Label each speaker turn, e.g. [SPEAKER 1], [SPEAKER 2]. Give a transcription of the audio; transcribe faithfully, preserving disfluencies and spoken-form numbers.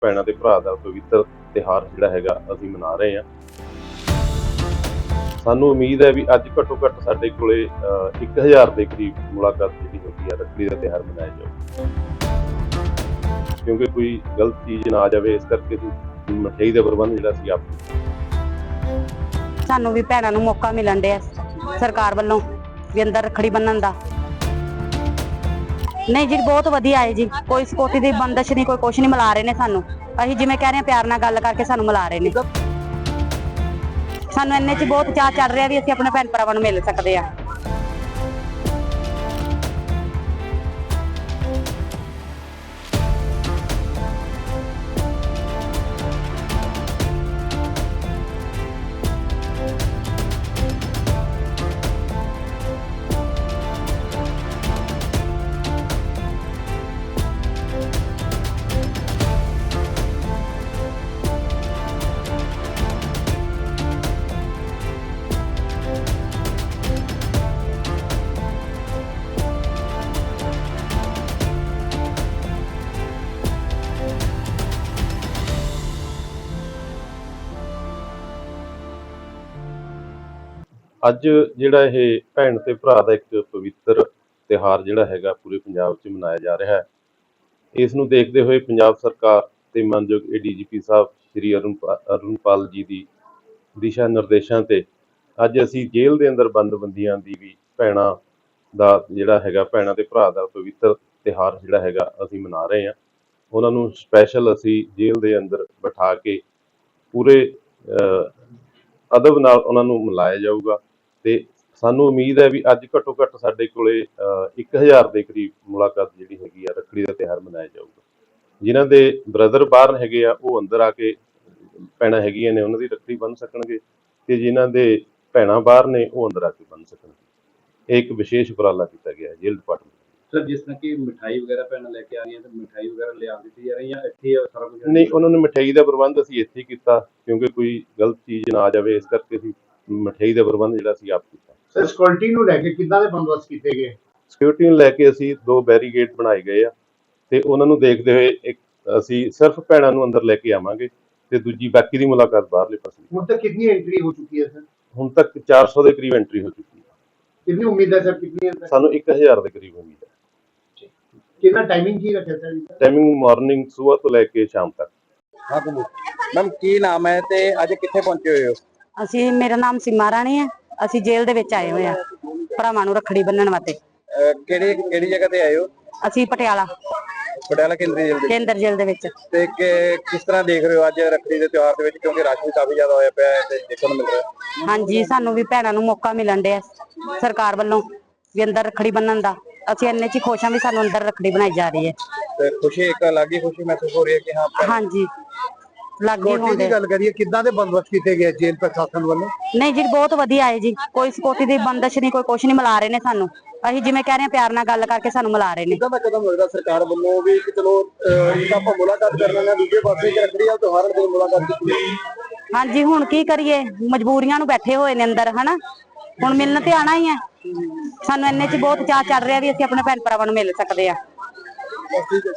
[SPEAKER 1] ਭੈਣਾਂ ਤੇ ਭਰਾ ਦਾ ਪਵਿੱਤਰ ਤਿਉਹਾਰ ਜਿਹੜਾ ਹੈਗਾ ਅਸੀਂ ਮਨਾ ਰਹੇ ਹਾਂ। ਸਾਨੂੰ ਉਮੀਦ ਹੈ ਵੀ ਅੱਜ ਘੱਟੋ ਘੱਟ ਸਾਡੇ ਕੋਲੇ ਇੱਕ ਹਜ਼ਾਰ ਦੇ ਕਰੀਬ ਮੁਲਾਕਾਤ ਜਿਹੜੀ ਹੈਗੀ ਆ ਰੱਖੜੀ ਦਾ ਤਿਉਹਾਰ ਮਨਾਇਆ ਜਾਊਗਾ, ਕਿਉਂਕਿ ਕੋਈ ਗਲਤ ਚੀਜ਼ ਨਾ ਆ ਜਾਵੇ, ਇਸ ਕਰਕੇ ਅਸੀਂ ਮਠਿਆਈ ਦਾ ਪ੍ਰਬੰਧ ਜਿਹੜਾ ਸੀ ਆਪ
[SPEAKER 2] ਸਾਨੂੰ ਵੀ ਭੈਣਾਂ ਨੂੰ ਮੌਕਾ ਮਿਲਣ ਡਿਆ ਸਰਕਾਰ ਵੱਲੋਂ ਵੀ ਅੰਦਰ ਰੱਖੜੀ ਬੰਨਣ ਦਾ। ਨਹੀਂ ਜੀ, ਬਹੁਤ ਵਧੀਆ ਹੈ ਜੀ, ਕੋਈ ਸਿਕਿਉਰਿਟੀ ਦੀ ਬੰਦਸ਼ ਨਹੀਂ, ਕੋਈ ਕੁਛ ਨਹੀਂ, ਮਿਲਾ ਰਹੇ ਨੇ ਸਾਨੂੰ। ਅਸੀਂ ਜਿਵੇਂ ਕਹਿ ਰਹੇ ਹਾਂ ਪਿਆਰ ਨਾਲ ਗੱਲ ਕਰਕੇ ਸਾਨੂੰ ਮਿਲਾ ਰਹੇ ਨੇ। ਸਾਨੂੰ ਇੰਨੇ 'ਚ ਬਹੁਤ ਚਾਅ ਚੜ ਰਿਹਾ ਵੀ ਅਸੀਂ ਆਪਣੇ ਭੈਣ ਭਰਾਵਾਂ ਨੂੰ ਮਿਲ ਸਕਦੇ ਆ।
[SPEAKER 1] ਅੱਜ ਜਿਹੜਾ ਇਹ ਭੈਣ ਤੇ ਭਰਾ ਦਾ ਇੱਕ ਪਵਿੱਤਰ ਤਿਉਹਾਰ ਜਿਹੜਾ ਹੈਗਾ ਪੂਰੇ ਪੰਜਾਬ 'ਚ ਮਨਾਇਆ ਜਾ ਰਿਹਾ ਹੈ। ਇਸ ਨੂੰ ਦੇਖਦੇ ਹੋਏ ਪੰਜਾਬ ਸਰਕਾਰ ਤੇ ਮਾਨਯੋਗ ਏ ਡੀ ਜੀ ਪੀ ਸਾਹਿਬ ਸ਼੍ਰੀ ਅਰੁਣਪਾਲ ਜੀ ਦੀ ਦਿਸ਼ਾ ਨਿਰਦੇਸ਼ਾਂ ਤੇ ਅੱਜ ਅਸੀਂ ਜੇਲ੍ਹ ਦੇ ਅੰਦਰ ਬੰਦਬੰਦੀਆਂ ਦੀ ਵੀ ਭੈਣਾਂ ਦਾ ਜਿਹੜਾ ਹੈਗਾ ਭੈਣਾਂ ਤੇ ਭਰਾ ਦਾ ਪਵਿੱਤਰ ਤਿਉਹਾਰ ਜਿਹੜਾ ਹੈਗਾ ਅਸੀਂ ਮਨਾ ਰਹੇ ਹਾਂ। ਉਹਨਾਂ ਨੂੰ ਸਪੈਸ਼ਲ ਅਸੀਂ ਜੇਲ੍ਹ ਦੇ ਅੰਦਰ ਬਿਠਾ ਕੇ ਪੂਰੇ ਅਦਬ ਨਾਲ ਉਹਨਾਂ ਨੂੰ ਮਿਲਾਇਆ ਜਾਊਗਾ ਤੇ ਸਾਨੂੰ ਉਮੀਦ ਹੈ ਵੀ ਅੱਜ ਘੱਟੋ ਘੱਟ ਸਾਡੇ ਕੋਲੇ ਇੱਕ ਹਜ਼ਾਰ ਦੇ ਕਰੀਬ ਮੁਲਾਕਾਤ ਜਿਹੜੀ ਹੈਗੀ ਆ ਰੱਖੜੀ ਦਾ ਤਿਉਹਾਰ ਮਨਾਇਆ ਜਾਊਗਾ। ਜਿਨ੍ਹਾਂ ਦੇ ਬ੍ਰਦਰ ਬਾਹਰ ਹੈਗੇ ਆ ਉਹ ਅੰਦਰ ਆ ਕੇ ਭੈਣਾਂ ਹੈਗੀਆਂ ਨੇ ਉਹਨਾਂ ਦੀ ਰੱਖੜੀ ਬੰਨ੍ਹ ਸਕਣਗੇ, ਤੇ ਜਿਨ੍ਹਾਂ ਦੇ ਭੈਣਾਂ ਬਾਹਰ ਨੇ ਉਹ ਅੰਦਰ ਆ ਕੇ ਬੰਨ੍ਹ ਸਕਣਗੇ। ਇਹ ਇੱਕ ਵਿਸ਼ੇਸ਼ ਉਪਰਾਲਾ ਕੀਤਾ ਗਿਆ ਹੈ ਜੇਲ੍ਹ ਡਿਪਾਰਟਮੈਂਟ।
[SPEAKER 3] ਸਰ, ਜਿਸ ਤਰ੍ਹਾਂ ਕਿ ਮਿਠਾਈ ਵਗੈਰਾ ਭੈਣਾਂ ਲੈ ਕੇ ਆ ਰਹੀਆਂ, ਤੇ ਮਿਠਾਈ ਵਗੈਰਾ ਲਿਆ ਦਿੱਤੀ ਜਾ ਰਹੀ ਹੈ ਇੱਥੇ ਸਾਰਾ ਕੁਝ?
[SPEAKER 1] ਨਹੀਂ, ਉਹਨਾਂ ਨੂੰ ਮਿਠਾਈ ਦਾ ਪ੍ਰਬੰਧ ਅਸੀਂ ਇੱਥੇ ਕੀਤਾ, ਕਿਉਂਕਿ ਕੋਈ ਗਲਤ ਚੀਜ਼ ਨਾ ਆ ਜਾਵੇ, ਇਸ ਕਰਕੇ ਅਸੀਂ ਮਿਠਾਈ ਦਾ ਪ੍ਰਬੰਧ ਜਿਹੜਾ ਅਸੀਂ ਆਪ ਕੀਤਾ।
[SPEAKER 4] ਸਰ, ਸਿਕਿਉਰਿਟੀ ਨੂੰ ਲੈ ਕੇ ਕਿੱਦਾਂ ਦੇ ਬੰਦੋਬਸਤ ਕੀਤੇ ਗਏ?
[SPEAKER 1] ਸਿਕਿਉਰਿਟੀ ਨੂੰ ਲੈ ਕੇ ਅਸੀਂ ਦੋ ਬੈਰੀਗੇਡ ਬਣਾਏ ਗਏ ਆ, ਤੇ ਉਹਨਾਂ ਨੂੰ ਦੇਖਦੇ ਹੋਏ ਇੱਕ ਅਸੀਂ ਸਿਰਫ ਭੈਣਾਂ ਨੂੰ ਅੰਦਰ ਲੈ ਕੇ ਆਵਾਂਗੇ ਤੇ ਦੂਜੀ ਬਾਕੀ ਦੀ ਮੁਲਾਕਾਤ ਬਾਹਰਲੇ ਪਾਸੇ।
[SPEAKER 4] ਹੁਣ ਤੱਕ ਕਿੰਨੀ ਐਂਟਰੀ ਹੋ ਚੁੱਕੀ ਹੈ ਸਰ?
[SPEAKER 1] ਹੁਣ ਤੱਕ ਚਾਰ ਸੌ ਦੇ ਕਰੀਬ ਐਂਟਰੀ ਹੋ ਚੁੱਕੀ ਹੈ।
[SPEAKER 4] ਕਿੰਨੀ ਉਮੀਦ ਹੈ ਸਰ? ਕਿੰਨੀ ਹੈ?
[SPEAKER 1] ਸਾਨੂੰ ਇੱਕ ਹਜ਼ਾਰ ਦੇ ਕਰੀਬ ਉਮੀਦ ਹੈ।
[SPEAKER 4] ਕਿੰਨਾ ਟਾਈਮਿੰਗ ਕੀ ਰੱਖਿਆ ਸਰ?
[SPEAKER 1] ਟਾਈਮਿੰਗ ਮਾਰਨਿੰਗ ਸਵੇਰ ਤੋਂ ਲੈ ਕੇ ਸ਼ਾਮ ਤੱਕ।
[SPEAKER 3] ਹਾਂ ਮੈਮ, ਕੀ ਨਾਮ ਹੈ ਤੇ ਅੱਜ ਕਿੱਥੇ ਪਹੁੰਚੇ ਹੋਏ ਹੋ?
[SPEAKER 2] ਅਸੀਂ, ਮੇਰਾ ਨਾਮ ਸੀਮਾ ਰਾਣੀ ਹੈ, ਅਸੀਂ ਜੇਲ੍ਹ ਦੇ ਵਿੱਚ ਆਏ ਹੋਏ ਆ ਭਰਾਵਾਂ ਨੂੰ ਰੱਖੜੀ ਬੰਨਣ ਵਾਸਤੇ।
[SPEAKER 3] ਕਿਹੜੀ ਕਿਹੜੀ ਜਗ੍ਹਾ ਤੇ ਆਏ ਹੋ?
[SPEAKER 2] ਅਸੀਂ ਪਟਿਆਲਾ
[SPEAKER 3] ਪਟਿਆਲਾ ਕੇਂਦਰੀ ਜੇਲ੍ਹ ਦੇ
[SPEAKER 2] ਕੇਂਦਰ ਜੇਲ੍ਹ ਦੇ ਵਿੱਚ।
[SPEAKER 3] ਤੇ ਕਿਸ ਤਰ੍ਹਾਂ ਦੇਖ ਰਹੇ ਹੋ ਅੱਜ ਰੱਖੜੀ ਦੇ ਤਿਉਹਾਰ ਦੇ ਵਿੱਚ, ਕਿਉਂਕਿ ਰਸ਼ ਵੀ ਕਾਫੀ ਜ਼ਿਆਦਾ ਹੋਇਆ ਪਿਆ ਹੈ ਤੇ ਦੇਖਣ ਨੂੰ ਮਿਲ ਰਿਹਾ?
[SPEAKER 2] ਹਾਂਜੀ, ਸਾਨੂੰ ਵੀ ਭੈਣਾਂ ਨੂੰ ਮੌਕਾ ਮਿਲਣ ਡਿਆ ਸਰਕਾਰ ਵੱਲੋਂ ਵੀ ਅੰਦਰ ਰੱਖੜੀ ਬੰਨਣ ਦਾ। ਅਸੀਂ ਇੰਨੇ 'ਚ ਖੁਸ਼ ਹਾਂ ਵੀ ਸਾਨੂੰ ਅੰਦਰ ਰੱਖੜੀ ਬਣਾਈ ਜਾ ਰਹੀ ਹੈ
[SPEAKER 3] ਤੇ ਖੁਸ਼ੀ, ਇੱਕ ਅਲੱਗ ਹੀ ਖੁਸ਼ੀ ਮਹਿਸੂਸ ਹੋ ਰਹੀ ਹੈ ਕਿ ਹਾਂ।
[SPEAKER 2] ਹਾਂਜੀ, ਲੱਗੀ ਹੋਣ
[SPEAKER 4] ਦੀ ਗੱਲ ਕਰੀਏ, ਕਿੱਦਾਂ ਦੇ ਬੰਦੋਬਸਤ ਕੀਤੇ ਗਏ ਜੇਲ੍ਹ ਪ੍ਰਸ਼ਾਸਨ ਵੱਲੋਂ?
[SPEAKER 2] ਨਹੀਂ ਜੀ, ਬਹੁਤ ਵਧੀਆ ਹੈ ਜੀ, ਕੋਈ ਸਿਕਿਉਰਿਟੀ ਦੀ ਬੰਦਸ਼ ਨਹੀਂ, ਕੋਈ ਕੁਛ ਨਹੀਂ, ਮਿਲਾ ਰਹੇ ਨੇ ਸਾਨੂੰ। ਅਸੀਂ ਜਿਵੇਂ ਕਹਿ ਰਹੇ ਹਾਂ ਪਿਆਰ ਨਾਲ ਗੱਲ ਕਰਕੇ ਸਾਨੂੰ ਮਿਲਾ ਰਹੇ ਨੇ।
[SPEAKER 3] ਕਿੱਦਾਂ ਦਾ ਕਦਮ ਹੋਏਗਾ ਸਰਕਾਰ ਵੱਲੋਂ ਵੀ ਕਿ ਚਲੋ ਇੱਕ ਆਪਾਂ ਮੁਲਾਕਾਤ ਕਰ ਲੈਣਾ, ਦੂਜੇ ਪਾਸੇ ਰੱਖੜੀ ਦਾ ਤਿਉਹਾਰ ਦੀ ਮੁਲਾਕਾਤ ਕੀਤੀ?
[SPEAKER 2] ਹਾਂਜੀ, ਹੁਣ ਕੀ ਕਰੀਏ, ਮਜਬੂਰੀਆਂ ਨੂੰ ਬੈਠੇ ਹੋਏ ਨੇ ਅੰਦਰ, ਹਨਾ, ਹੁਣ ਮਿਲਣ ਤੇ ਆਣਾ ਹੀ ਹੈ। ਸਾਨੂੰ ਇੰਨੇ 'ਚ ਬਹੁਤ ਚਾਅ ਚੜ ਰਿਹਾ ਵੀ ਅਸੀਂ ਆਪਣੇ ਭੈਣ ਭਰਾਵਾਂ ਨੂੰ ਮਿਲ ਸਕਦੇ ਆ।